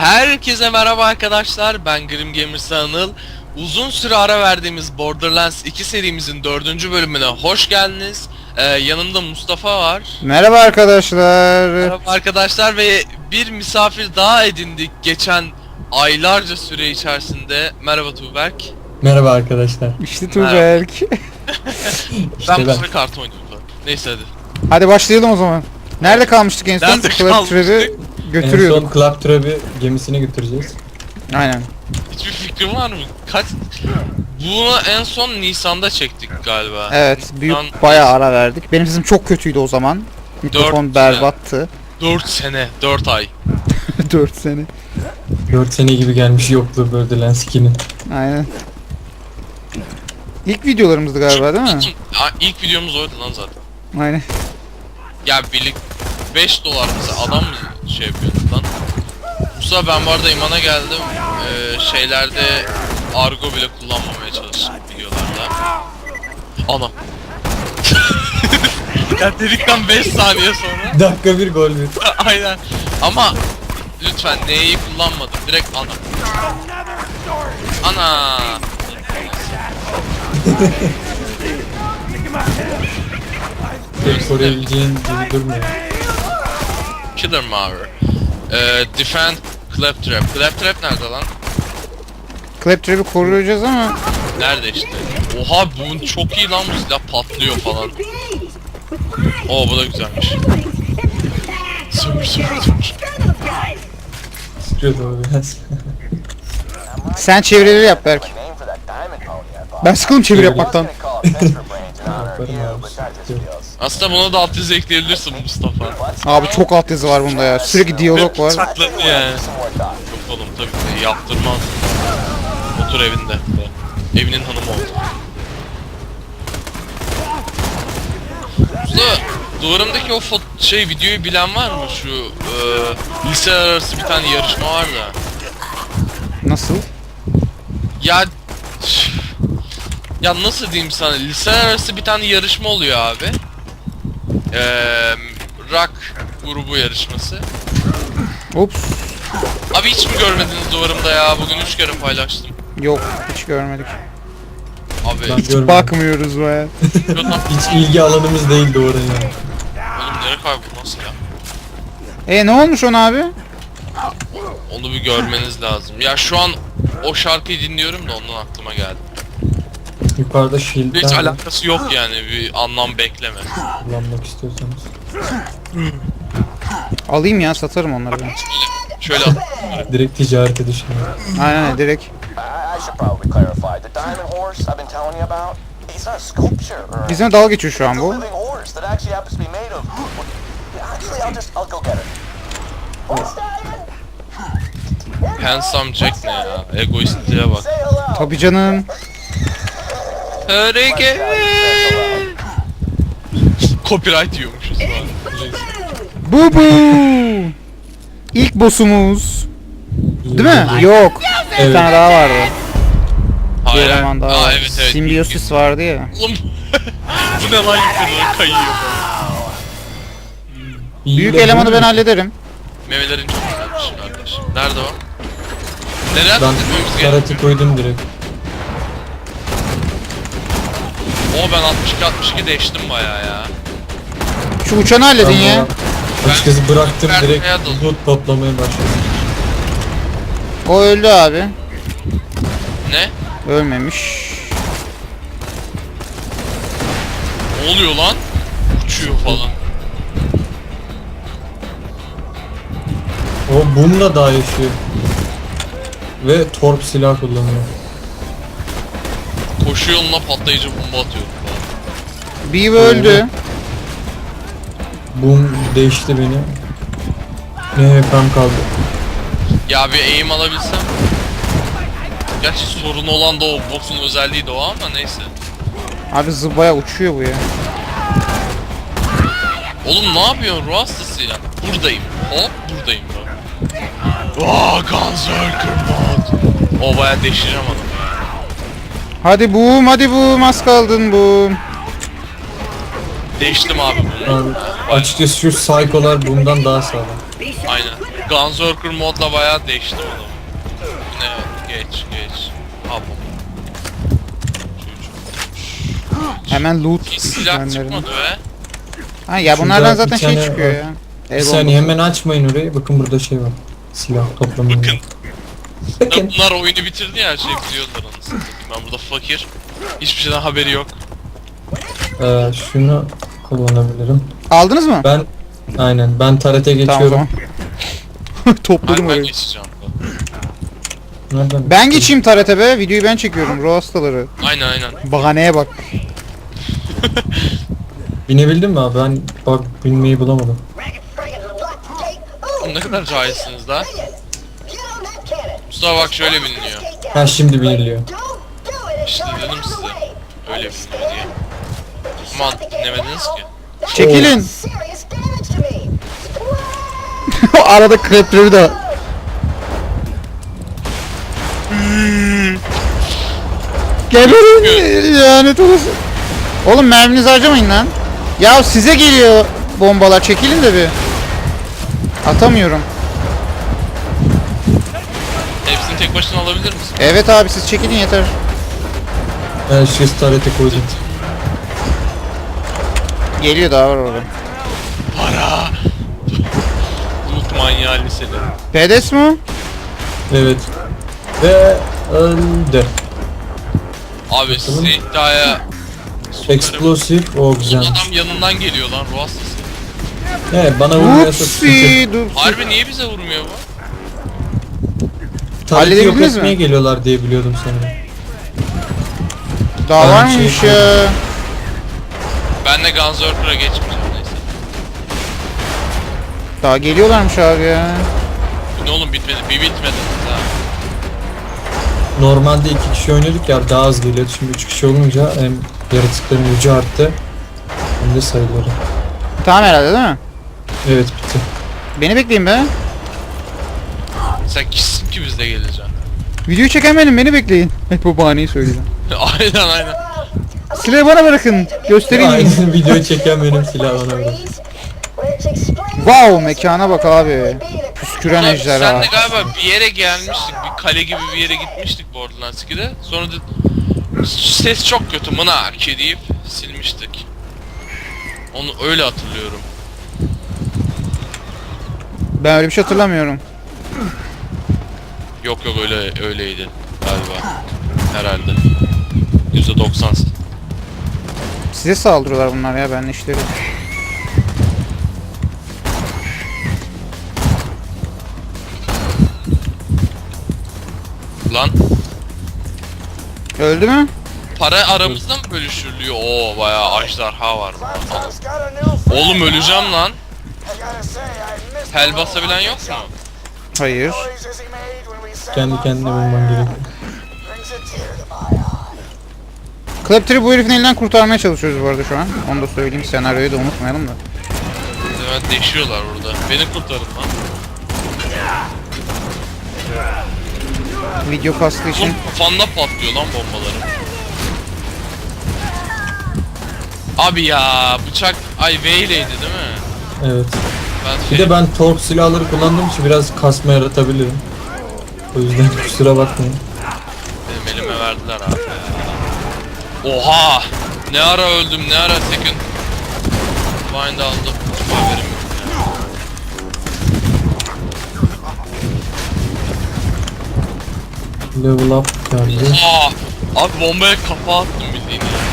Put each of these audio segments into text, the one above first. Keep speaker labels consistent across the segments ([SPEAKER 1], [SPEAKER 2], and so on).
[SPEAKER 1] Herkese merhaba arkadaşlar, ben Grim Gamers'ı Anıl. Uzun süre ara verdiğimiz Borderlands 2 serimizin 4. bölümüne hoş geldiniz. Yanımda Mustafa var.
[SPEAKER 2] Merhaba arkadaşlar.
[SPEAKER 1] Merhaba arkadaşlar ve bir misafir daha edindik geçen aylarca süre içerisinde. Merhaba Tuğberk.
[SPEAKER 3] Merhaba arkadaşlar.
[SPEAKER 2] İşte Tuğberk.
[SPEAKER 1] Ben bu sıra kart oynuyorum zaten. Neyse hadi.
[SPEAKER 2] Hadi başlayalım o zaman. Nerede kalmıştık en son?
[SPEAKER 1] Nerede kalmıştık?
[SPEAKER 2] Götürüyorduk.
[SPEAKER 3] En son Club Trap'i gemisine götüreceğiz.
[SPEAKER 2] Aynen.
[SPEAKER 1] Hiçbir fikrin var mı? Bunu en son Nisan'da çektik galiba.
[SPEAKER 2] Evet, büyük
[SPEAKER 1] Nisan-
[SPEAKER 2] bayağı ara verdik. Benim sesim çok kötüydü o zaman. Mikrofon
[SPEAKER 1] Dört
[SPEAKER 2] berbattı.
[SPEAKER 1] 4 sene, 4 ay.
[SPEAKER 2] 4 sene.
[SPEAKER 3] 4 sene gibi gelmiş yokluğu Borderlands 2'nin.
[SPEAKER 2] Aynen. İlk videolarımızdı galiba değil mi?
[SPEAKER 1] İlk videomuz oydu lan zaten.
[SPEAKER 2] Aynen.
[SPEAKER 1] Ya birlik 5 dolar mesela adam mı şey yapıyordu lan? Musa ben bu arada imana geldim. Şeylerde argo bile kullanmamaya çalıştım videolarda. Ana. Ya dedikten 5 saniye sonra.
[SPEAKER 3] Dakika bir gol bir.
[SPEAKER 1] Aynen. Ama lütfen neyi kullanmadım. Direkt ana. Ana.
[SPEAKER 3] Pek koruyabileceğin gibi durmuyor.
[SPEAKER 1] Killer Mower. Defend Claptrap. Claptrap nerede lan?
[SPEAKER 2] Claptrap'i koruyacağız ama
[SPEAKER 1] Nerede işte? Oha bu çok iyi lan, bu silah patlıyor falan. Oo bu da güzelmiş. Sömür.
[SPEAKER 3] Sıkıyordu o biraz.
[SPEAKER 2] sen çevirileri yap Berk. Ben sıkıldım çeviri yapmaktan.
[SPEAKER 3] Yaparım abi. Sıkıntı yok.
[SPEAKER 1] Aslında buna da alt yazı ekleyebilirsin Mustafa.
[SPEAKER 2] Abi çok alt yazı var bunda ya. Sürekli diyalog var.
[SPEAKER 1] Saklandı yani. Yok oğlum tabii ki yaptırmaz. Otur evinde. Evinin hanımı oldu. Usta duvarımdaki o videoyu bilen var mı? Şu liseler arası bir tane yarışma var da.
[SPEAKER 2] Nasıl?
[SPEAKER 1] Ya nasıl diyeyim sana, liseler arası bir tane yarışma oluyor abi. Rock grubu yarışması.
[SPEAKER 2] Ups.
[SPEAKER 1] Abi hiç mi görmediniz duvarımda ya? Bugün 3 kere paylaştım.
[SPEAKER 2] Yok, hiç görmedik.
[SPEAKER 1] Abi
[SPEAKER 3] Ben
[SPEAKER 2] Hiç
[SPEAKER 3] görmedim.
[SPEAKER 2] bakmıyoruz baya.
[SPEAKER 3] Hiç ilgi alanımız değildi oraya.
[SPEAKER 1] Oğlum nereye kayboldu nasıl ya?
[SPEAKER 2] Ne olmuş ona abi?
[SPEAKER 1] Onu bir görmeniz lazım. Ya şu an o şarkıyı dinliyorum da ondan aklıma geldi.
[SPEAKER 3] Yukarıda
[SPEAKER 1] Hiç
[SPEAKER 3] shield'den
[SPEAKER 1] alakası yok yani, bir anlam bekleme.
[SPEAKER 3] kullanmak istiyorsanız.
[SPEAKER 2] Alayım ya, satarım onları ben.
[SPEAKER 1] Şöyle
[SPEAKER 3] Direkt ticarete düşünüyorum.
[SPEAKER 2] Aynen direkt.
[SPEAKER 4] I should probably clarify. The diamond horse I've been telling you about, it's not a sculpture or
[SPEAKER 2] Bizimle dalga geçiyor şu an
[SPEAKER 4] it's a
[SPEAKER 2] bu.
[SPEAKER 4] living horse that actually happens to be made of. Actually, I'll go get it. What's that?
[SPEAKER 1] Handsome Jack ne ya? Egoistliğe bak.
[SPEAKER 4] Say hello.
[SPEAKER 2] Tabii canım.
[SPEAKER 1] Hareket. Copyright yiyormuşuz falan.
[SPEAKER 2] Bu. İlk boss'umuz. Değil mi? Yok. Bir
[SPEAKER 3] Evet.
[SPEAKER 2] tane daha vardı. Bir
[SPEAKER 1] Hayır.
[SPEAKER 2] eleman daha
[SPEAKER 1] Aa,
[SPEAKER 2] vardı.
[SPEAKER 1] evet.
[SPEAKER 2] Simbiosis vardı ya.
[SPEAKER 1] Oğlum bu ne lan, yukarıda kayıyor.
[SPEAKER 2] Büyük elemanı ben hallederim.
[SPEAKER 1] Memelerin çok güzelmiş kardeşim. Nerede o? Nereye
[SPEAKER 3] Ben
[SPEAKER 1] atletmemiz gerekiyor?
[SPEAKER 3] karate koydum direkt.
[SPEAKER 1] O ben 62 değiştim bayağı ya.
[SPEAKER 2] Şu uçanı halledin ya.
[SPEAKER 3] Açıkçası bıraktım
[SPEAKER 1] Ben
[SPEAKER 3] direkt
[SPEAKER 1] kaya daldım.
[SPEAKER 3] loot toplamaya başladım.
[SPEAKER 2] O öldü abi.
[SPEAKER 1] Ne?
[SPEAKER 2] Ölmemiş.
[SPEAKER 1] Ne oluyor lan? Uçuyor falan.
[SPEAKER 3] O bununla daha yaşıyor. Ve torp silah kullanıyor.
[SPEAKER 1] Koşu yoluna patlayıcı bomba atıyor falan.
[SPEAKER 2] Beaver öldü.
[SPEAKER 3] Boom değişti beni. Ne hepem kaldı.
[SPEAKER 1] Ya bir aim alabilsem. Gerçi sorun olan da o, boss'un özelliği de o ama neyse.
[SPEAKER 2] Abi zıbaya uçuyor bu ya.
[SPEAKER 1] Oğlum ne yapıyorsun ruh hastasıyla? Buradayım. Hop buradayım bak. Vaa Gunzerker mod. O bayağı deşireceğim adamı.
[SPEAKER 2] Hadi boom, az kaldın boom.
[SPEAKER 1] Değiştim abi bunu.
[SPEAKER 3] Abi, açıkçası şu psycho'lar bundan daha sağlam.
[SPEAKER 1] Aynen. Gunzerker modla bayağı değişti oğlum. Ne? Geç. Ha bu.
[SPEAKER 2] Hemen loot
[SPEAKER 1] Hiç silah
[SPEAKER 2] düşmanlarını.
[SPEAKER 1] çıkmadı be.
[SPEAKER 2] Ha ya
[SPEAKER 3] Şurada
[SPEAKER 2] bunlardan
[SPEAKER 3] bir
[SPEAKER 2] zaten şey
[SPEAKER 3] tane
[SPEAKER 2] çıkıyor
[SPEAKER 3] var.
[SPEAKER 2] ya.
[SPEAKER 3] Bir
[SPEAKER 2] El
[SPEAKER 3] saniye
[SPEAKER 2] bombası.
[SPEAKER 3] hemen açmayın orayı. Bakın burada şey var. Silah toplamayı.
[SPEAKER 1] Bakın.
[SPEAKER 3] Bakın.
[SPEAKER 1] Bunlar oyunu bitirdi ya, her şeyi biliyorlar anasını satayım. Ben burada fakir. Hiçbir şeyden haberi yok.
[SPEAKER 3] Şunu kullanabilirim.
[SPEAKER 2] Aldınız mı?
[SPEAKER 3] Ben tarete
[SPEAKER 2] Tamam o
[SPEAKER 3] geçiyorum.
[SPEAKER 2] zaman. Topladım
[SPEAKER 1] Hayır, ben
[SPEAKER 2] orayı.
[SPEAKER 1] geçeceğim.
[SPEAKER 3] Nereden?
[SPEAKER 2] Ben geçeyim tarete be. Videoyu ben çekiyorum. Ruh hastaları.
[SPEAKER 1] Aynen.
[SPEAKER 2] Bahaneye bak.
[SPEAKER 3] Binebildin mi abi? Ben bak binmeyi bulamadım.
[SPEAKER 1] Oğlum ne kadar cahilsiniz la. Mustafa bak şöyle biniliyor.
[SPEAKER 3] Ha şimdi biniliyor.
[SPEAKER 1] İşte dedim size. Öyle biniliyor diye. Aman dinlemediniz ki.
[SPEAKER 2] Çekilin. Arada krepleri de. Gelirim. Lanet olası. Oğlum merminizi harcamayın lan. Ya size geliyor bombalar. Çekilin de bir. Atamıyorum.
[SPEAKER 1] Hepsini tek başına alabilir misin?
[SPEAKER 2] Evet abi siz çekilin yeter.
[SPEAKER 3] Ben şu tarete koydum.
[SPEAKER 2] Geliyor daha var orada.
[SPEAKER 1] Para! Loot manyağı liseli.
[SPEAKER 2] Pedes mi?
[SPEAKER 3] Evet. Ve öldü.
[SPEAKER 1] Abi sizi iddiaya sokarım.
[SPEAKER 3] Explosive o
[SPEAKER 1] Oğlum
[SPEAKER 3] güzel.
[SPEAKER 1] adam yanından geliyor lan, ruh hastası.
[SPEAKER 3] Evet bana vurmuyorsa sıkıntı.
[SPEAKER 2] Upsi dur.
[SPEAKER 1] Harbi niye bize vurmuyor bu?
[SPEAKER 3] Tareti yok
[SPEAKER 2] Halledebildiniz mi?
[SPEAKER 3] etmeye geliyorlar diye biliyordum sanırım.
[SPEAKER 2] Daha
[SPEAKER 3] Ben
[SPEAKER 2] var mıymış
[SPEAKER 3] şey-
[SPEAKER 2] ya?
[SPEAKER 1] Ben de Gunzerker'a geçmeyeceğim neyse.
[SPEAKER 2] Daha geliyorlarmış abi ya.
[SPEAKER 1] Bu ne oğlum, bitmedi, bir bitmedi. Ha.
[SPEAKER 3] Normalde 2 kişi oynuyorduk ya daha az geliyordu. Şimdi 3 kişi olunca hem yaratıkların gücü arttı hem de sayıları.
[SPEAKER 2] Tamam herhalde değil mi?
[SPEAKER 3] Evet bitti.
[SPEAKER 2] Beni bekleyin be.
[SPEAKER 1] Sen kimsin ki bizle geleceksin?
[SPEAKER 2] Videoyu çeken benim, beni bekleyin. Hep bu bahaneyi söyleyeceğim.
[SPEAKER 1] aynen.
[SPEAKER 2] Silahı bana bırakın. Göstereyim.
[SPEAKER 3] Aynı videoyu çeken benim silah bana bırak.
[SPEAKER 2] Wow, mekana bak abi. Püsküren
[SPEAKER 1] Ulan
[SPEAKER 2] ejderha.
[SPEAKER 1] senle galiba bir yere gelmiştik, bir kale gibi bir yere gitmiştik Borderlands 2'de. Sonra da ses çok kötü mınaki deyip silmiştik. Onu öyle hatırlıyorum.
[SPEAKER 2] Ben öyle bir şey hatırlamıyorum.
[SPEAKER 1] Yok öyleydi galiba. Herhalde. %90.
[SPEAKER 2] Size saldırıyorlar bunlar ya, ben işleri.
[SPEAKER 1] Lan
[SPEAKER 2] Öldü mü?
[SPEAKER 1] para aramızda mı bölüşülüyor? Oo bayağı ejderha var. Oğlum öleceğim lan. Hel basabilen yok mu?
[SPEAKER 2] Hayır.
[SPEAKER 3] Kendi kendine bulman gerekiyor.
[SPEAKER 2] Claptree bu herifin elinden kurtarmaya çalışıyoruz bu arada şu an. Onu da söyleyeyim, senaryoyu da unutmayalım da.
[SPEAKER 1] Evet değişiyorlar burada. Beni kurtarın lan.
[SPEAKER 2] Video kastı için.
[SPEAKER 1] Oğlum kafanda patlıyor lan bombaları. Abi ya bıçak V'yleydi değil mi?
[SPEAKER 3] Evet.
[SPEAKER 1] Ben
[SPEAKER 3] Bir de ben torp silahları kullandığım için biraz kasma yaratabilirim. O yüzden kusura bakmayın.
[SPEAKER 1] benim elime verdiler abi. Oha! Ne ara öldüm, ne ara second bind aldım. Hiç haberim yok ya.
[SPEAKER 3] Level up geldi.
[SPEAKER 1] Oha! Abi bombaya kafa attım bildiğin ya.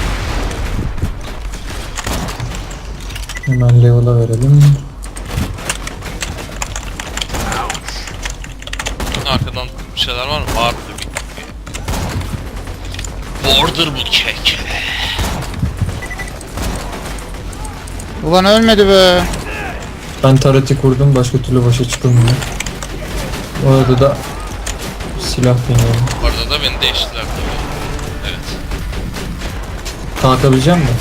[SPEAKER 3] Hemen level'a verelim.
[SPEAKER 1] Arkadan bir şeyler var mı? Vardı bir. Border bu kek.
[SPEAKER 2] Ulan ölmedi be.
[SPEAKER 3] Ben tareti kurdum, başka türlü başa çıkılmıyor. Orada da silah deniyorum.
[SPEAKER 1] Orada da beni değiştiler tabii. Evet.
[SPEAKER 3] Kalkabilecek misin?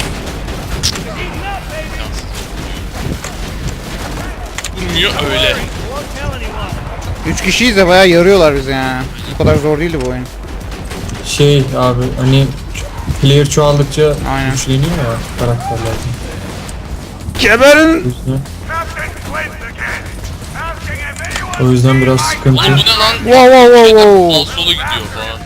[SPEAKER 1] Vurmuyor öyle.
[SPEAKER 2] 3 kişiyiz de bayağı yarıyorlar bizi yani. Bu kadar zor değildi bu oyun.
[SPEAKER 3] Şey abi hani player çoğaldıkça
[SPEAKER 2] Aynen.
[SPEAKER 3] güçleniyor ya karakterler.
[SPEAKER 2] Geberin!
[SPEAKER 3] Üstüne. O yüzden biraz sıkıntı.
[SPEAKER 1] Oğlum bu ne lan?
[SPEAKER 2] Wow wow wow wow.
[SPEAKER 1] Sağ sola gidiyor falan.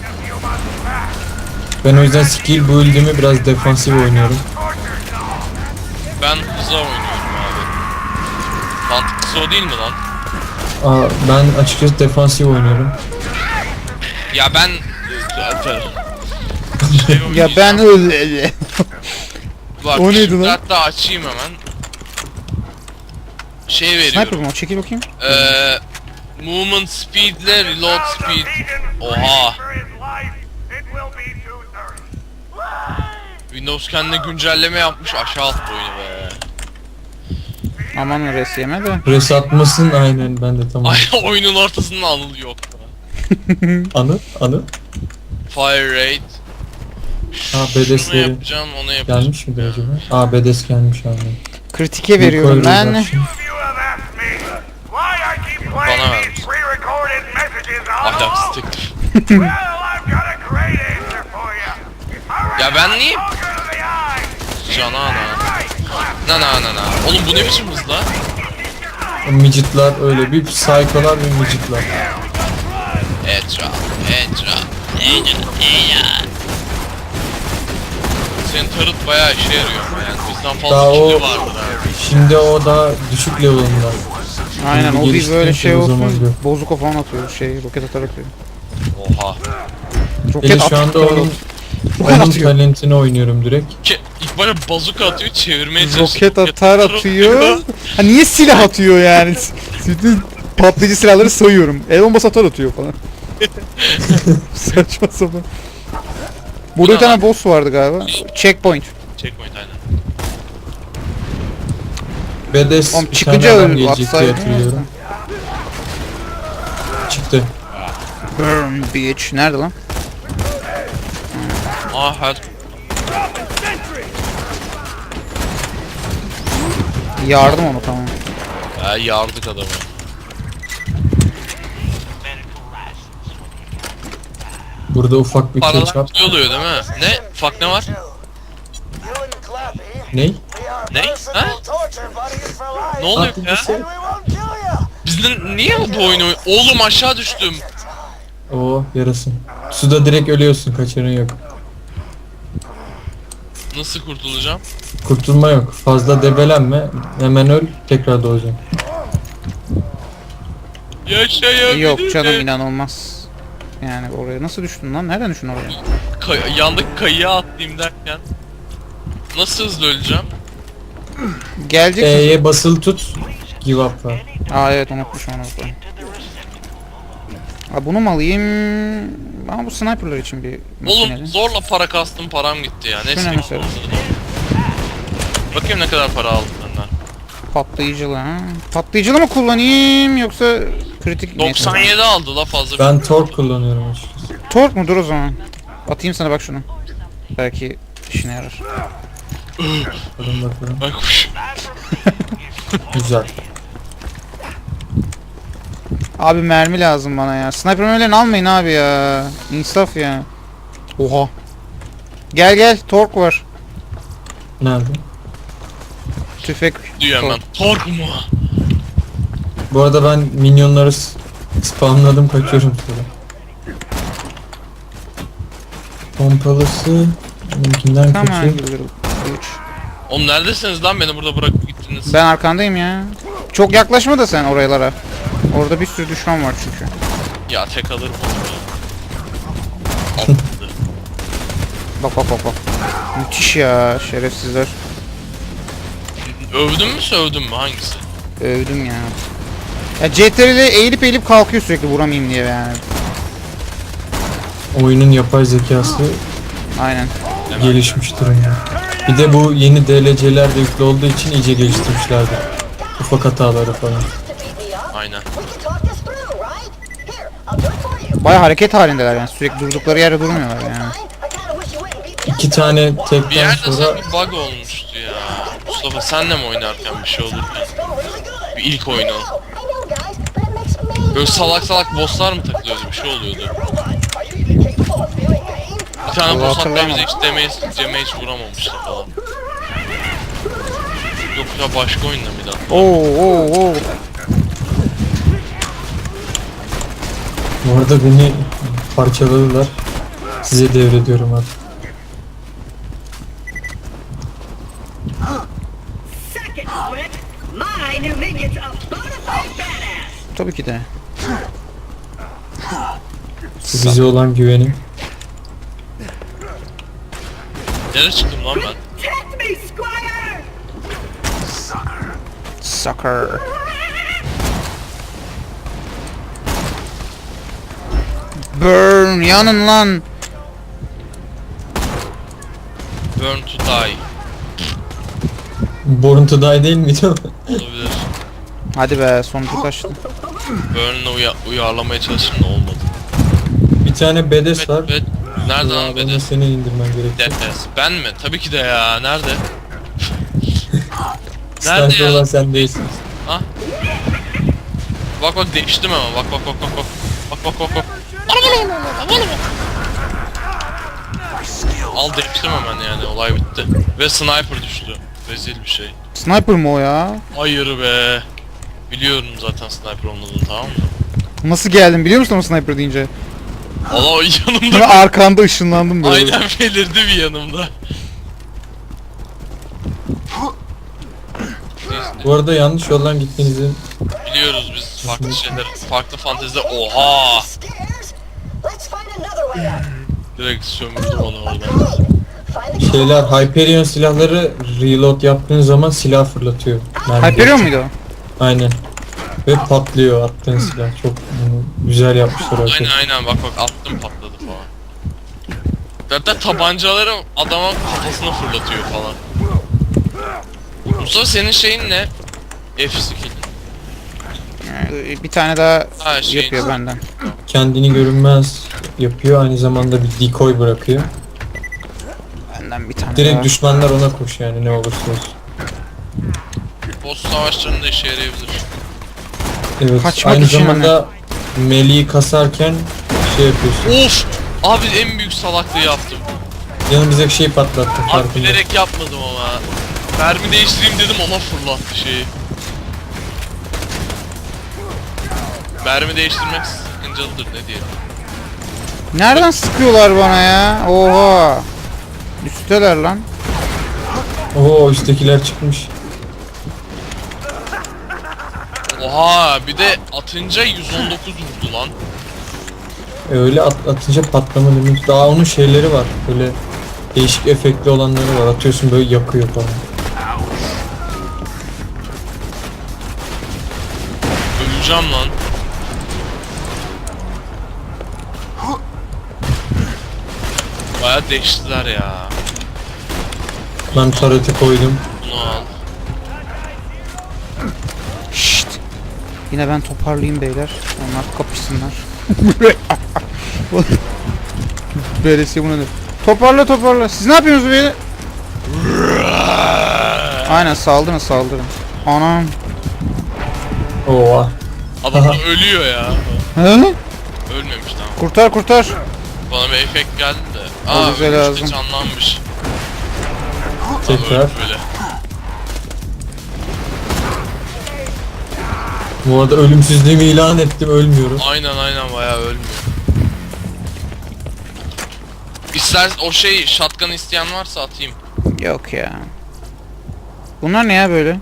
[SPEAKER 3] Ben o yüzden skill build'imi biraz defansif oynuyorum.
[SPEAKER 1] Ben hıza oynuyorum abi. Mantıklısı o değil mi lan?
[SPEAKER 3] Ben açıkçası defansif oynuyorum.
[SPEAKER 1] Ya ben...
[SPEAKER 2] Ya ben öyle.
[SPEAKER 1] Bak,
[SPEAKER 2] O neydi
[SPEAKER 1] şimdi
[SPEAKER 2] lan?
[SPEAKER 1] hatta açayım hemen. Şey
[SPEAKER 2] Sniper
[SPEAKER 1] veriyorum.
[SPEAKER 2] mı o? Çekil bakayım.
[SPEAKER 1] Movement speed ile reload speed. Oha. Windows kendine güncelleme yapmış, aşağı attı oyunu be.
[SPEAKER 2] Aman res yeme de.
[SPEAKER 3] Res atmasın aynen, ben de tamam.
[SPEAKER 1] Ay, oyunun ortasında Anıl yok.
[SPEAKER 3] Anı.
[SPEAKER 1] Fire rate.
[SPEAKER 3] Ha,
[SPEAKER 1] Şunu
[SPEAKER 3] bedesleri
[SPEAKER 1] yapacağım, onu yapacağım.
[SPEAKER 3] gelmiş midir acaba? Bedes gelmiş aynen.
[SPEAKER 2] Kritike veriyorum ben.
[SPEAKER 1] Bana vermiş. Ahlaksız teklif. Ya ben niye? Cana ana. Oğlum bu ne biçim hız lan?
[SPEAKER 3] O midget'lar öyle, bir psycho'lar bir midget'lar.
[SPEAKER 1] Etra. Senin tarıt bayağı işe yarıyor ama yani bizden fazla
[SPEAKER 3] Daha
[SPEAKER 1] kili
[SPEAKER 3] o-
[SPEAKER 1] vardır ha.
[SPEAKER 3] Şimdi o da düşük level'ında.
[SPEAKER 2] Aynen o bir
[SPEAKER 3] Geliştirince
[SPEAKER 2] böyle şey
[SPEAKER 3] o zaman
[SPEAKER 2] olsun.
[SPEAKER 3] gör.
[SPEAKER 2] Bozuko falan atıyor. Roket atar atıyor.
[SPEAKER 1] Oha.
[SPEAKER 2] Roket
[SPEAKER 3] Hele şu anda onun
[SPEAKER 2] atıyor.
[SPEAKER 3] talentini oynuyorum direkt.
[SPEAKER 1] İlk başta bazuka atıyor, çevirmeye çalışıyor.
[SPEAKER 2] Roket atar atıyor. Ha niye silah atıyor yani? Bütün patlayıcı silahları sayıyorum. El bombası atar atıyor falan. Saçma sapan. Burada bir tane boss vardı galiba. Checkpoint.
[SPEAKER 1] Checkpoint aynen.
[SPEAKER 3] Bedes
[SPEAKER 2] Oğlum
[SPEAKER 3] bir
[SPEAKER 2] çıkınca
[SPEAKER 3] tane adam
[SPEAKER 2] öl-
[SPEAKER 3] gelecek diye
[SPEAKER 2] atsaydın
[SPEAKER 3] hatırlıyorum. Çıktı.
[SPEAKER 2] Burn bitch. Nerede lan?
[SPEAKER 1] Her
[SPEAKER 2] Yardım onu tamam.
[SPEAKER 1] yardık adamı.
[SPEAKER 3] Burada ufak bir
[SPEAKER 1] Paralar
[SPEAKER 3] ketçap.
[SPEAKER 1] ne oluyor değil mi? Ne? Ufak ne var?
[SPEAKER 4] You and Clappy,
[SPEAKER 3] Ney?
[SPEAKER 4] we are
[SPEAKER 1] Ne?
[SPEAKER 4] merciful
[SPEAKER 1] Ha?
[SPEAKER 4] torture buddies for life.
[SPEAKER 1] Ne oluyor ya?
[SPEAKER 4] And we won't kill you.
[SPEAKER 1] Biz niye bu oyunu Oğlum aşağı düştüm.
[SPEAKER 3] Oo, yarasın. Suda direkt ölüyorsun, kaçarın yok.
[SPEAKER 1] Nasıl kurtulacağım?
[SPEAKER 3] Kurtulma yok. Fazla debelenme. Hemen öl, tekrar doğacaksın.
[SPEAKER 1] Yaşayabilirim.
[SPEAKER 2] Yok canım inanılmaz. Yani oraya nasıl düştün lan? Nereden düştün oraya?
[SPEAKER 1] Yandaki kayığa atlayayım derken. Nasıl hızlı öleceğim?
[SPEAKER 2] Gelecek misin?
[SPEAKER 3] E'ye basılı tut. Give up var.
[SPEAKER 2] Aa evet unutmuşum onu. Aa, bunu mu alayım? Ama bu sniperlar için bir
[SPEAKER 1] Oğlum
[SPEAKER 2] makineli.
[SPEAKER 1] zorla para kastım, param gitti ya.
[SPEAKER 2] Şu ne
[SPEAKER 1] Neyse.
[SPEAKER 2] mesela?
[SPEAKER 1] Bakayım ne kadar para aldım benden.
[SPEAKER 2] Patlayıcılı ha. Patlayıcılı mı kullanayım yoksa kritik neyse.
[SPEAKER 1] 97 aldı la fazla.
[SPEAKER 3] Ben tork kullanıyorum açıkçası.
[SPEAKER 2] Tork mudur o zaman? Atayım sana bak şunu. Belki işine yarar.
[SPEAKER 3] Bakalım.
[SPEAKER 1] Bak
[SPEAKER 3] Güzel.
[SPEAKER 2] Abi mermi lazım bana ya. Sniper mermilerini almayın abi ya. İnsaf ya. Oha. Gel tork var.
[SPEAKER 3] Nerede?
[SPEAKER 2] Tüfek.
[SPEAKER 1] diyor hemen. Tork mu?
[SPEAKER 3] Bu arada ben minyonları spamladım, kaçıyorum sonra. Pompalısı benimkinden
[SPEAKER 2] Tamam
[SPEAKER 3] kötü.
[SPEAKER 2] geliyorum. 3.
[SPEAKER 1] Oğlum neredesiniz lan, beni burada bırakıp gittiniz?
[SPEAKER 2] Ben arkandayım ya. Çok yaklaşma da sen oralara. Orada bir sürü düşman var çünkü.
[SPEAKER 1] Ya tek alırım onu.
[SPEAKER 2] Bak. Müthiş ya şerefsizler.
[SPEAKER 1] Övdün mü sövdün mü, hangisi?
[SPEAKER 2] Övdüm ya. Ya CTRL'e eğilip kalkıyor sürekli vuramayayım diye yani.
[SPEAKER 3] Oyunun yapay zekası
[SPEAKER 2] Aynen.
[SPEAKER 3] gelişmiş durumda. Bir de bu yeni DLC'ler de yüklü olduğu için iyice geliştirmişlerdi. Ufak hataları falan.
[SPEAKER 1] Aynen.
[SPEAKER 2] Baya hareket halindeler yani sürekli durdukları yerde durmuyorlar yani.
[SPEAKER 3] İki tane
[SPEAKER 1] Bir
[SPEAKER 3] tekten
[SPEAKER 1] yerde
[SPEAKER 3] sonra
[SPEAKER 1] sanki bug olmuştu ya. Mustafa senle mi oynarken bir şey olurken? Bir ilk oyunu. Böyle salak bosslar mı takılıyordu, bir şey oluyordu. Bir tane
[SPEAKER 2] Allah
[SPEAKER 1] boss hatta
[SPEAKER 2] hatırlamam.
[SPEAKER 1] bize hiç damage vuramamıştı falan. Yok ya, başka oyunda mıydı?
[SPEAKER 2] Oo.
[SPEAKER 3] Bu arada beni parçaladılar. Size devrediyorum artık.
[SPEAKER 5] Second split, my new minion's a bona fide badass.
[SPEAKER 2] Tabii ki de.
[SPEAKER 3] Bu bize olan güvenim.
[SPEAKER 1] Nereye çıktım lan ben?
[SPEAKER 5] Test me, Squire!
[SPEAKER 2] Sucker. Burn, yanın lan.
[SPEAKER 1] Burn to die.
[SPEAKER 3] Born to Die değil miydi o?
[SPEAKER 1] Olabilir.
[SPEAKER 2] Hadi be, sonucu kaçtı.
[SPEAKER 1] Burn'la uyarlamaya çalıştım da olmadı.
[SPEAKER 3] Bir tane bedes
[SPEAKER 1] Evet,
[SPEAKER 3] var.
[SPEAKER 1] evet. Nerede lan
[SPEAKER 3] Bana
[SPEAKER 1] Bedes?
[SPEAKER 3] seni indirmen gerekiyor.
[SPEAKER 1] Defes. Ben mi? Tabii ki de ya. Nerede?
[SPEAKER 3] Sniper
[SPEAKER 1] ya?
[SPEAKER 3] olan sen değilsin.
[SPEAKER 1] Ha? Bak bak değiştim ama. Bak bak bak bak bak. Bak bak bak bak. Al değiştim hemen yani. Olay bitti. Ve sniper düştü. Rezil bir şey.
[SPEAKER 2] Sniper mı o ya?
[SPEAKER 1] Hayır be. Biliyorum zaten sniper olmadığını, tamam mı?
[SPEAKER 2] Nasıl geldin biliyor musun o sniper deyince?
[SPEAKER 1] Allah o
[SPEAKER 2] Sonra
[SPEAKER 1] yanımda.
[SPEAKER 2] arkanda ışınlandım böyle.
[SPEAKER 1] Aynen belirdi bir yanımda.
[SPEAKER 3] Bu arada yanlış yoldan gittiğinizi
[SPEAKER 1] Biliyoruz biz farklı şeyler, farklı fantezide. Oha!
[SPEAKER 4] Stairs? Let's find another way out.
[SPEAKER 1] Direkt sömürdüm onu oradan.
[SPEAKER 4] Find the
[SPEAKER 3] şeyler Hyperion silahları reload yaptığın zaman silah fırlatıyor. Mermi
[SPEAKER 2] Hyperion
[SPEAKER 3] geçiyor.
[SPEAKER 2] muydu
[SPEAKER 3] Aynen. Ve patlıyor attığın silah. Çok güzel yapmışlar o şey.
[SPEAKER 1] Aynen aynen bak bak attım patladı falan. Hatta tabancaları adama kafasına fırlatıyor falan. Mustafa senin şeyin ne? F skill.
[SPEAKER 2] Bir tane daha
[SPEAKER 1] Ha, şey-
[SPEAKER 2] yapıyor benden.
[SPEAKER 3] Kendini görünmez yapıyor. Aynı zamanda bir decoy bırakıyor.
[SPEAKER 2] Benden bir tane
[SPEAKER 3] Direkt
[SPEAKER 2] daha.
[SPEAKER 3] düşmanlar ona koş yani ne olursa olsun.
[SPEAKER 1] Boss savaşlarında işe yarayabilir.
[SPEAKER 3] Evet.
[SPEAKER 2] Kaçmak
[SPEAKER 3] aynı
[SPEAKER 2] için
[SPEAKER 3] zamanda meleği kasarken şey yapıyorsun.
[SPEAKER 1] Of! Abi en büyük salaklığı yaptım.
[SPEAKER 3] Yanımızdaki şeyi patlattı.
[SPEAKER 1] Abi
[SPEAKER 3] farkında.
[SPEAKER 1] bilerek yapmadım ama. Mermi değiştireyim dedim, ona fırlattı şeyi. Mermi değiştirmek sakıncalıdır, ne diyelim.
[SPEAKER 2] Nereden sıkıyorlar bana ya? Oha. Üsteler lan.
[SPEAKER 3] Oo üsttekiler çıkmış.
[SPEAKER 1] Oha, bir de atınca 119 vurdu lan.
[SPEAKER 3] Öyle atınca patlama demek. Daha onun şeyleri var. Böyle değişik efektli olanları var. Atıyorsun böyle yakıyor falan.
[SPEAKER 1] Öleceğim lan. Baya değiştiler ya.
[SPEAKER 3] Ben tareti koydum.
[SPEAKER 1] Bunu al.
[SPEAKER 2] Şşt. Yine ben toparlayayım beyler. Onlar kapışsınlar. Böylesi bunu da. Toparla toparla. Siz ne yapıyorsunuz böyle? Aynen saldırın saldırın. Anam.
[SPEAKER 3] Oha.
[SPEAKER 1] Adam da ölüyor ya.
[SPEAKER 2] Hı?
[SPEAKER 1] Ölmemiş tamam.
[SPEAKER 2] Kurtar kurtar.
[SPEAKER 1] Bana bir efekt geldi de.
[SPEAKER 2] O
[SPEAKER 1] Aa,
[SPEAKER 2] bize
[SPEAKER 1] ölmüş de
[SPEAKER 2] lazım.
[SPEAKER 1] canlanmış.
[SPEAKER 3] Tekrar.
[SPEAKER 1] Öldü böyle.
[SPEAKER 3] Bu arada ölümsüzlüğümü ilan ettim. Ölmüyorum.
[SPEAKER 1] Aynen aynen bayağı ölmüyor. İster o şey shotgun isteyen varsa atayım.
[SPEAKER 2] Yok ya. Bunlar ne ya böyle?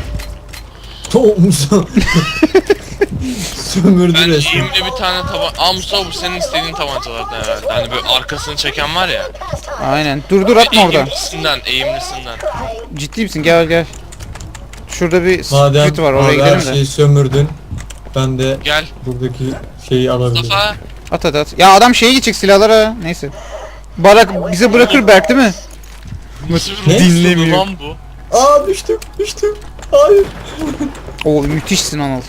[SPEAKER 3] Sömürdü
[SPEAKER 1] Ben
[SPEAKER 3] resmen.
[SPEAKER 1] eğimli bir tane taban... Aa Mustafa, bu senin istediğin tabancalardan herhalde. Hani böyle arkasını çeken var ya.
[SPEAKER 2] Aynen. Dur dur atma orada.
[SPEAKER 1] Eğimlisinden.
[SPEAKER 2] Ciddi misin? Gel gel. Şurada bir
[SPEAKER 3] Madem,
[SPEAKER 2] split var. Oraya
[SPEAKER 3] madem her
[SPEAKER 2] gidelim de.
[SPEAKER 3] şeyi sömürdün. Ben de
[SPEAKER 1] Gel.
[SPEAKER 3] buradaki şeyi alabilirim.
[SPEAKER 1] Mustafa.
[SPEAKER 2] At at at. Ya adam şeye gidecek silahlara. Neyse. Barak bize bırakır Berk değil mi?
[SPEAKER 1] Nasıl
[SPEAKER 3] Ne?
[SPEAKER 1] bir
[SPEAKER 2] Dinlemiyor.
[SPEAKER 1] lan bu?
[SPEAKER 3] Aa düştüm. Hayır.
[SPEAKER 2] Oo müthişsin Anıl.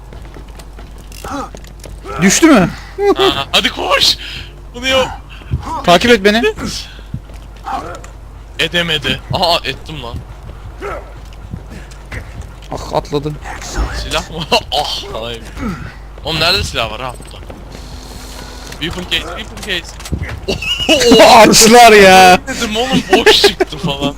[SPEAKER 2] Düştü mü?
[SPEAKER 1] Ha, hadi koş. Bunu yap.
[SPEAKER 2] Takip et beni.
[SPEAKER 1] Edemedi. Aha ettim lan.
[SPEAKER 2] Ah atladı.
[SPEAKER 1] Silah mı? Ah hayır. Oğlum nerede silah var ha burada? Weapon case, weapon case.
[SPEAKER 2] Açlar ya.
[SPEAKER 1] Dedim oğlum boş çıktı falan.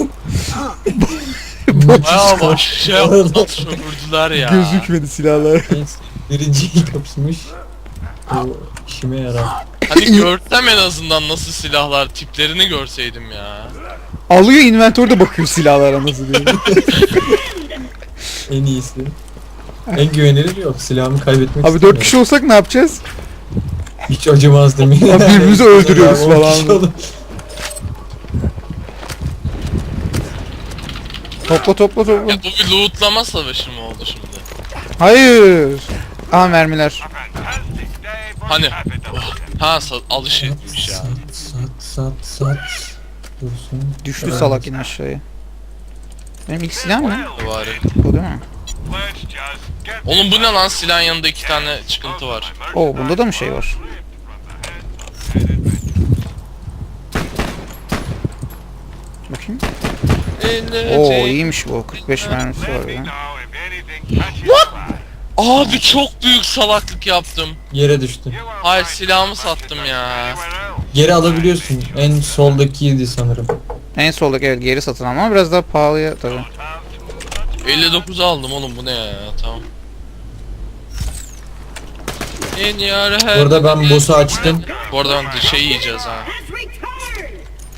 [SPEAKER 1] Bayağı boş şey yaptılar, sömürdüler ya.
[SPEAKER 2] Gözükmedi silahlar.
[SPEAKER 3] Neyse, birinciyi kapışmış. Bu işime yarar.
[SPEAKER 1] Hani görsem en azından nasıl silahlar, tiplerini görseydim ya.
[SPEAKER 2] Alıyor inventörde bakıyor silahlara nasıl diye.
[SPEAKER 3] En iyisi. En güvenilir yok. Silahımı kaybetmek
[SPEAKER 2] Abi 4 kişi olsak ne yapacağız?
[SPEAKER 3] Hiç acımazdım.
[SPEAKER 2] Abi birbirimizi öldürüyoruz
[SPEAKER 3] On
[SPEAKER 2] falan.
[SPEAKER 3] kişi olur.
[SPEAKER 2] Topla.
[SPEAKER 1] Ya bu bir lootlama savaşı mı oldu şimdi?
[SPEAKER 2] Hayır. Aha mermiler.
[SPEAKER 1] Hani? Oh, ha alış etmiş ya.
[SPEAKER 3] Sat. Dursun.
[SPEAKER 2] Düştü salak yine aşağıya. Benim ilk silah mı?
[SPEAKER 1] Bari.
[SPEAKER 2] Bu değil mi?
[SPEAKER 1] Oğlum bu ne lan, silahın yanında 2 tane çıkıntı var.
[SPEAKER 2] Oo bunda da mı şey var? Bakayım. Oo iyiymiş bu. 45 mermisi var ya.
[SPEAKER 1] Abi çok büyük salaklık yaptım.
[SPEAKER 3] Yere düştü.
[SPEAKER 1] Hayır, silahımı sattım ya.
[SPEAKER 3] Geri alabiliyorsun. En soldakiydi sanırım.
[SPEAKER 2] En soldaki evet geri satın ama biraz daha pahalıya tabii.
[SPEAKER 1] 59 aldım oğlum, bu ne ya, tamam. En yar her...
[SPEAKER 3] Burada ben boss'u açtım.
[SPEAKER 1] Bu arada ben de şey yiyeceğiz ha.
[SPEAKER 5] Let's return.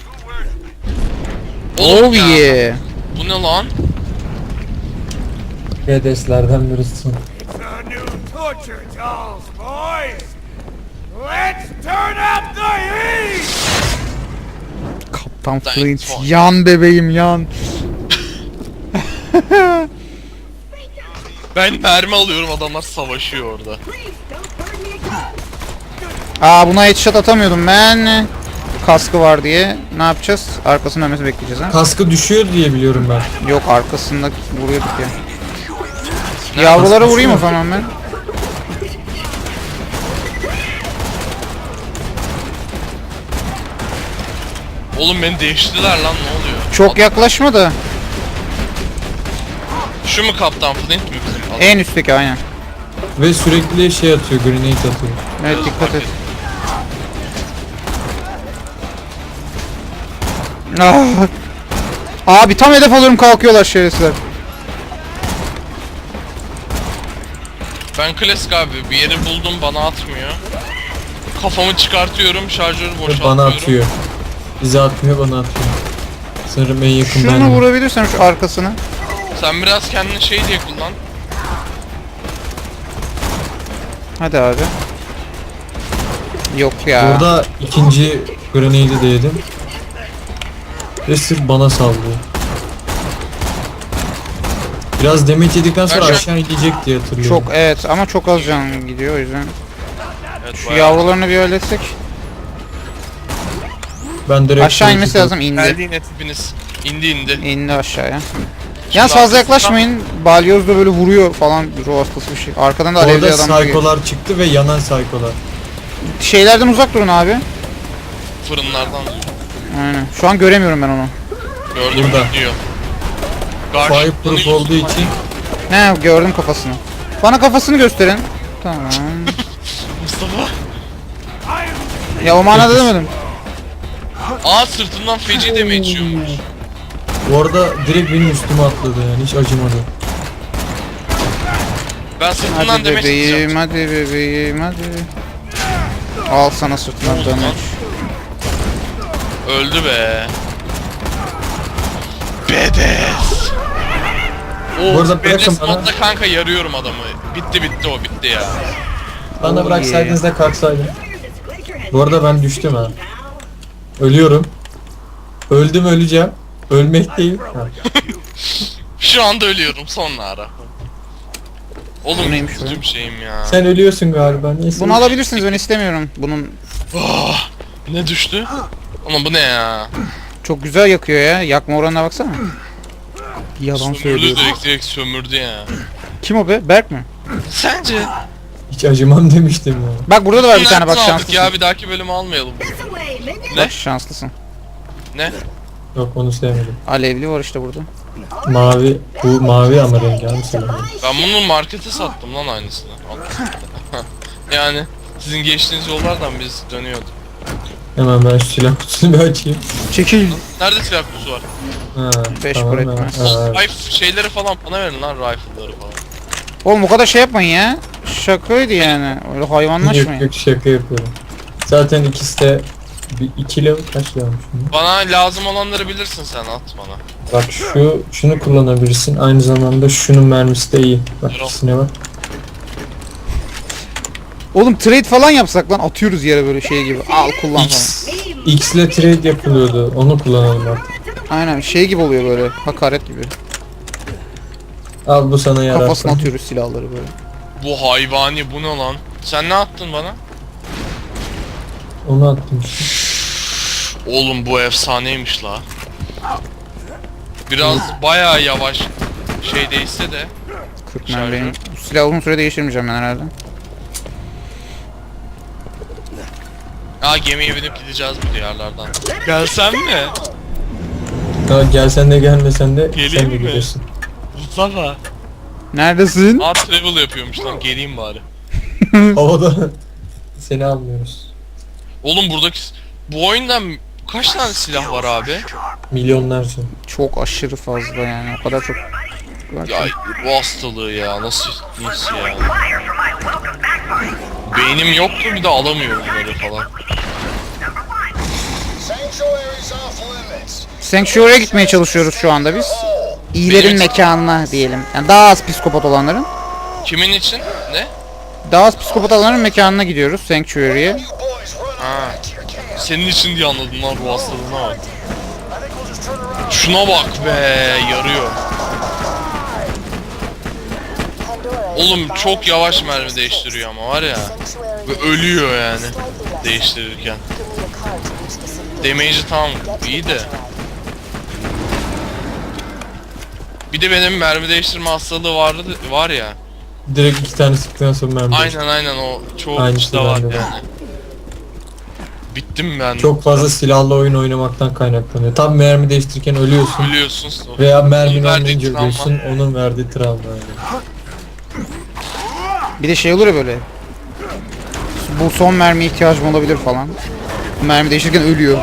[SPEAKER 1] Oğlum
[SPEAKER 2] Oh
[SPEAKER 1] ya,
[SPEAKER 2] yeah.
[SPEAKER 1] bu ne lan?
[SPEAKER 3] Bedeslerden birisi.
[SPEAKER 6] The new torture dolls, boys! Let's turn up the heat!
[SPEAKER 2] Kaptan
[SPEAKER 1] Thanks,
[SPEAKER 2] Flint
[SPEAKER 1] boy.
[SPEAKER 2] yan bebeğim yan.
[SPEAKER 1] Ben mermi alıyorum, adamlar savaşıyor orada.
[SPEAKER 5] Please don't burn me again.
[SPEAKER 2] Aa buna headshot atamıyordum ben. Kaskı var diye. Ne yapacağız? Arkasının ölmesi bekleyeceğiz ha.
[SPEAKER 3] Kaskı düşüyor diye biliyorum ben.
[SPEAKER 2] Yok arkasında vuruyorduk ya. Yavrulara vurayım o zaman ben.
[SPEAKER 1] Oğlum beni değiştiler lan, ne oluyor?
[SPEAKER 2] Çok yaklaşma da.
[SPEAKER 1] Şu mu Kaptan Flint mi bizim adam?
[SPEAKER 2] En üstteki aynen.
[SPEAKER 3] Ve sürekli şey atıyor, grenade atıyor.
[SPEAKER 2] Evet dikkat et. Ah. Abi tam hedef alıyorum kalkıyorlar şerefsizler.
[SPEAKER 1] Ben klasik abi, bir yeri buldum bana atmıyor. Kafamı çıkartıyorum, şarjörü
[SPEAKER 3] Ve
[SPEAKER 1] boşaltıyorum.
[SPEAKER 3] bana atıyor. Bize atmıyor, bana atıyor. Sanırım en yakın
[SPEAKER 2] Şunu
[SPEAKER 3] benim.
[SPEAKER 2] vurabilirsem şu arkasını.
[SPEAKER 1] Sen biraz kendini şey diye kullan.
[SPEAKER 2] Hadi abi. Yok ya.
[SPEAKER 3] Burada ikinci grenade'i de yedim. Ve sırf bana sallıyor. Biraz damage yedikten sonra
[SPEAKER 1] Ben şu an-
[SPEAKER 3] aşağı inecek diye hatırlıyorum.
[SPEAKER 2] Çok evet ama çok az can gidiyor o yüzden.
[SPEAKER 1] Evet,
[SPEAKER 2] Şu
[SPEAKER 1] bayağı-
[SPEAKER 2] yavrularını bir halletsek.
[SPEAKER 3] Ben direkt
[SPEAKER 2] Aşağı inmesi lazım indi.
[SPEAKER 1] Geldiğin etibiniz. İndi.
[SPEAKER 2] İndi aşağıya. Yalnız fazla
[SPEAKER 1] arkasından-
[SPEAKER 2] yaklaşmayın. Balyoz da böyle vuruyor falan ruh hastası bir şey. Arkadan da alevli
[SPEAKER 3] Orada
[SPEAKER 2] adamlar geliyor.
[SPEAKER 3] saykolar çıktı ve yanan saykolar.
[SPEAKER 2] Şeylerden uzak durun abi.
[SPEAKER 1] Fırınlardan
[SPEAKER 2] Aynen. Şu an göremiyorum ben onu.
[SPEAKER 1] gördüm
[SPEAKER 3] Burada.
[SPEAKER 1] diyor.
[SPEAKER 3] Fireproof olduğu için
[SPEAKER 2] Ne gördüm kafasını. Bana kafasını gösterin. Tamam.
[SPEAKER 1] Mustafa.
[SPEAKER 2] Ya o manada demedim.
[SPEAKER 1] Aa, sırtından feci damage yiyormuş.
[SPEAKER 3] orada direkt benim üstüme atladı yani hiç acımadı.
[SPEAKER 1] Ben sırtından
[SPEAKER 2] Hadi
[SPEAKER 1] damage
[SPEAKER 2] bebeğim,
[SPEAKER 1] atacağım.
[SPEAKER 2] hadi bebeğim, hadi. Al sana sırtından damage.
[SPEAKER 1] Öldü be. Bedes.
[SPEAKER 3] Bu arada
[SPEAKER 1] Oh, Bedes
[SPEAKER 3] bırakın bana.
[SPEAKER 1] modda kanka yarıyorum adamı. Bitti o, bitti ya.
[SPEAKER 3] Bana
[SPEAKER 2] Oh
[SPEAKER 3] bıraksaydınız da kalksaydım.
[SPEAKER 5] Fire this glacier has
[SPEAKER 3] Bu arada ben düştüm ha.
[SPEAKER 5] pal.
[SPEAKER 3] Ölüyorum. Öldüm, öleceğim. Ölmek değil. Ha.
[SPEAKER 1] Şu anda ölüyorum, sonra ara. Oğlum
[SPEAKER 2] Bu neymiş
[SPEAKER 1] üzücü bir şeyim ya.
[SPEAKER 3] Sen ölüyorsun galiba. Neyse.
[SPEAKER 2] Bunu alabilirsiniz ben istemiyorum. Bunun
[SPEAKER 1] Oh, ne düştü? Ama bu ne ya?
[SPEAKER 2] çok güzel yakıyor ya. Yakma oranına baksana. Yalan
[SPEAKER 1] Sömürdü,
[SPEAKER 2] söylüyor.
[SPEAKER 1] direkt sömürdü ya.
[SPEAKER 2] Kim o be? Berk mi?
[SPEAKER 1] Sence?
[SPEAKER 3] Hiç acımam demiştim ya.
[SPEAKER 2] Bak burada da var bir tane bak
[SPEAKER 1] Nereden aldık
[SPEAKER 2] şanslısın.
[SPEAKER 1] ya, bir dahaki bölümü almayalım.
[SPEAKER 5] This away, minions.
[SPEAKER 1] Ne?
[SPEAKER 2] Bak şanslısın.
[SPEAKER 1] Ne?
[SPEAKER 3] Yok onu sevmedim.
[SPEAKER 2] Alevli var işte burada.
[SPEAKER 3] Mavi. Bu mavi ama rengi abi sevmedim.
[SPEAKER 1] Ben bunu markete sattım lan aynısını. Yani sizin geçtiğiniz yollardan biz dönüyorduk.
[SPEAKER 3] Hemen ben şu silah kutusunu bir açayım.
[SPEAKER 2] Çekil.
[SPEAKER 1] Nerede silah kutusu var?
[SPEAKER 3] Ha,
[SPEAKER 2] Beş
[SPEAKER 3] tamam,
[SPEAKER 2] bırakma.
[SPEAKER 3] ha,
[SPEAKER 1] Rifle şeyleri falan bana verin lan, rifle'ları falan.
[SPEAKER 2] Oğlum o kadar şey yapmayın ya. şakaydı yani. Öyle
[SPEAKER 3] Yok
[SPEAKER 2] hayvanlaşmayın.
[SPEAKER 3] yok şaka yapıyorum. Zaten ikisi de bir 2 level kaç level şimdi?
[SPEAKER 1] Bana lazım olanları bilirsin sen, at bana.
[SPEAKER 3] Bak şunu kullanabilirsin. Aynı zamanda şunun mermisi de iyi. Bak
[SPEAKER 1] Yok.
[SPEAKER 3] ikisine bak.
[SPEAKER 2] Oğlum trade falan yapsak lan, atıyoruz yere böyle şey gibi. Al kullan falan.
[SPEAKER 3] X ile trade yapılıyordu. Onu kullanalım artık.
[SPEAKER 2] Aynen şey gibi oluyor böyle. Hakaret gibi.
[SPEAKER 3] Al bu sana yarar.
[SPEAKER 2] Kafasına atıyoruz silahları böyle.
[SPEAKER 1] Bu hayvani, bu ne lan? Sen ne attın bana?
[SPEAKER 3] Onu attım işte.
[SPEAKER 1] Oğlum bu efsaneymiş la. Biraz bayağı yavaş şey değilse de.
[SPEAKER 2] 40 mermi. Bu silahı uzun süre değiştirmeyeceğim ben herhalde.
[SPEAKER 1] Gemiye binip gideceğiz bu diyarlardan. Gelsen mi?
[SPEAKER 3] Ya gelsen de gelmesen de
[SPEAKER 1] Geleyim
[SPEAKER 3] sen de
[SPEAKER 1] mi?
[SPEAKER 3] gidersin.
[SPEAKER 1] Mustafa.
[SPEAKER 2] Neredesin?
[SPEAKER 1] Travel yapıyormuş lan, geleyim bari.
[SPEAKER 3] Havada seni almıyoruz.
[SPEAKER 1] Oğlum buradaki... Bu oyunda kaç tane silah var abi?
[SPEAKER 3] Milyonlarca.
[SPEAKER 2] Çok aşırı fazla yani. O kadar çok.
[SPEAKER 1] Ya bu hastalığı ya, nasıl ya? Beynim yoktu, bir de alamıyorum bunları falan.
[SPEAKER 4] Sanctuary's off limits.
[SPEAKER 2] Sanctuary'e gitmeye çalışıyoruz şu anda biz. İyilerin
[SPEAKER 1] Benim-
[SPEAKER 2] mekanına diyelim. Yani daha az psikopat olanların.
[SPEAKER 1] Kimin için? Ne?
[SPEAKER 2] Daha az psikopat olanların mekanına gidiyoruz Sanctuary'e.
[SPEAKER 4] You boys run
[SPEAKER 1] Ha.
[SPEAKER 4] back to your camp.
[SPEAKER 1] Senin için diye anladım lan bu hastalığına bak.
[SPEAKER 4] I think we'll just turn around.
[SPEAKER 1] Şuna bak be, yarıyor. Oğlum çok yavaş mermi değiştiriyor ama var ya. Ve ölüyor yani değiştirirken. Damage'i tam iyi de. Bir de benim mermi değiştirme hastalığı var ya.
[SPEAKER 3] Direkt 2 tane sıktıktan sonra mermi değişti.
[SPEAKER 1] Aynen o çoğu
[SPEAKER 3] Aynısı
[SPEAKER 1] kişide var
[SPEAKER 3] bende de.
[SPEAKER 1] yani. Bittim ben.
[SPEAKER 3] Çok fazla silahlı oyun oynamaktan kaynaklanıyor. Tam mermi değiştirirken ölüyorsun.
[SPEAKER 1] Biliyorsun.
[SPEAKER 3] Veya mermin
[SPEAKER 1] Verdiği
[SPEAKER 3] olmayınca
[SPEAKER 1] travma.
[SPEAKER 3] ölüyorsun. Onun verdiği travma yani.
[SPEAKER 2] Bir de şey olur ya böyle. Bu son mermiye ihtiyacım olabilir falan. Mermi değiştirirken ölüyor.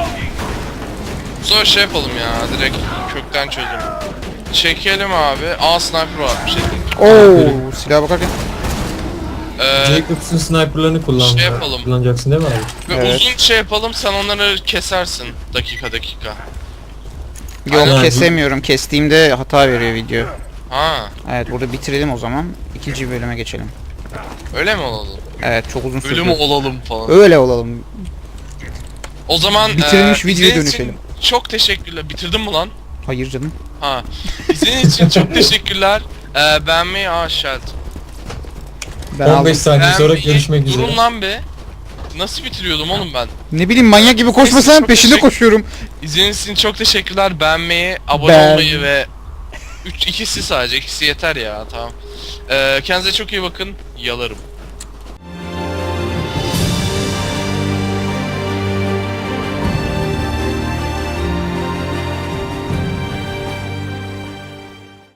[SPEAKER 1] Sonra şey yapalım ya, direkt kökten çözelim. Çekelim abi. Sniper var bir şey.
[SPEAKER 2] Oo, silaha bakarken.
[SPEAKER 3] Jacobs'un sniperlarını
[SPEAKER 1] Şey yapalım.
[SPEAKER 3] kullanacaksın değil mi abi?
[SPEAKER 1] Ve
[SPEAKER 2] Evet.
[SPEAKER 1] uzun şey yapalım, sen onları kesersin dakika.
[SPEAKER 2] Yok
[SPEAKER 3] Aynen.
[SPEAKER 2] kesemiyorum. Kestiğimde hata veriyor video.
[SPEAKER 1] Ha,
[SPEAKER 2] Evet burada bitirelim o zaman. İkinci bölüme geçelim.
[SPEAKER 1] öyle mi olalım?
[SPEAKER 2] Evet çok uzun sürdü.
[SPEAKER 1] Ölü mü olalım falan.
[SPEAKER 2] Öyle olalım.
[SPEAKER 1] O zaman
[SPEAKER 2] Bitirilmiş videoya
[SPEAKER 1] izlediğiniz için
[SPEAKER 2] dönüşelim.
[SPEAKER 1] çok teşekkürler. Bitirdin mi lan?
[SPEAKER 2] Hayır canım.
[SPEAKER 1] Ha. İzlediğiniz için çok teşekkürler. Beğenmeyi Sheld.
[SPEAKER 2] Ben
[SPEAKER 3] 15
[SPEAKER 2] aldım.
[SPEAKER 3] saniye sonra görüşmek üzere.
[SPEAKER 1] Durun lan be. Nasıl bitiriyordum oğlum ben?
[SPEAKER 2] Ne bileyim manyak gibi koşmasan
[SPEAKER 1] Çok
[SPEAKER 2] peşinde
[SPEAKER 1] teşekkür-
[SPEAKER 2] koşuyorum.
[SPEAKER 1] İzlediğiniz için çok teşekkürler. Beğenmeyi, abone
[SPEAKER 2] Ben-
[SPEAKER 1] olmayı ve ikisi sadece. İkisi yeter ya, tamam. Kendinize çok iyi bakın. Yalarım.